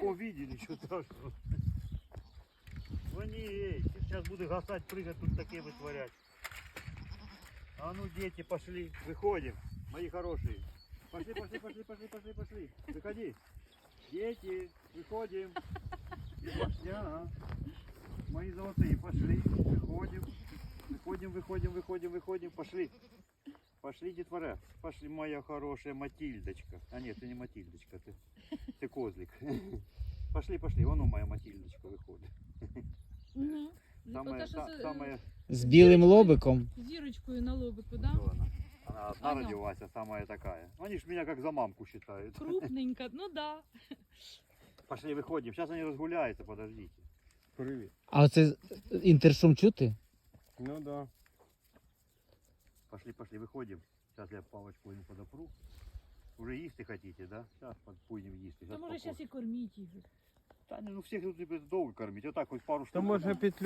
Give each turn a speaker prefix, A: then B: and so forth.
A: таком виде, ничего страшного. Звони, сейчас буду гасать, прыгать, тут такие вытворять. А ну, дети, пошли, выходим, мои хорошие. Пошли, пошли, пошли, пошли, пошли, пошли. Выходи. Дети, выходим. Ага. Мои золотые, пошли, выходим. Выходим, выходим, выходим, выходим, пошли. Пошли, детвора. Пошли, моя хорошая Матильдочка. А нет, ты не Матильдочка, ты козлик. Пошли, пошли, вон моя Матильдочка выходит.
B: Угу.
A: Самая...
C: З білим лобиком.
B: Зірочкою на лобику, да?
A: Кто она? Она одна
B: Аня.
A: родилась, а самая такая. Они ж меня как за мамку считают.
B: Крупненька, ну да.
A: Пошли, выходим. Сейчас они разгуляются, подождите.
D: Привіт.
C: А оце інтершум чути?
D: Ну да.
A: Пошли, пошли, выходим. Сейчас я палочку им подопру. Уже їсти хотите, да? Сейчас пойдем їсти.
B: Та може зараз і корміть їх.
A: Та ну всех тут довго кормить. Вот так вот пару штук.
D: То може петлю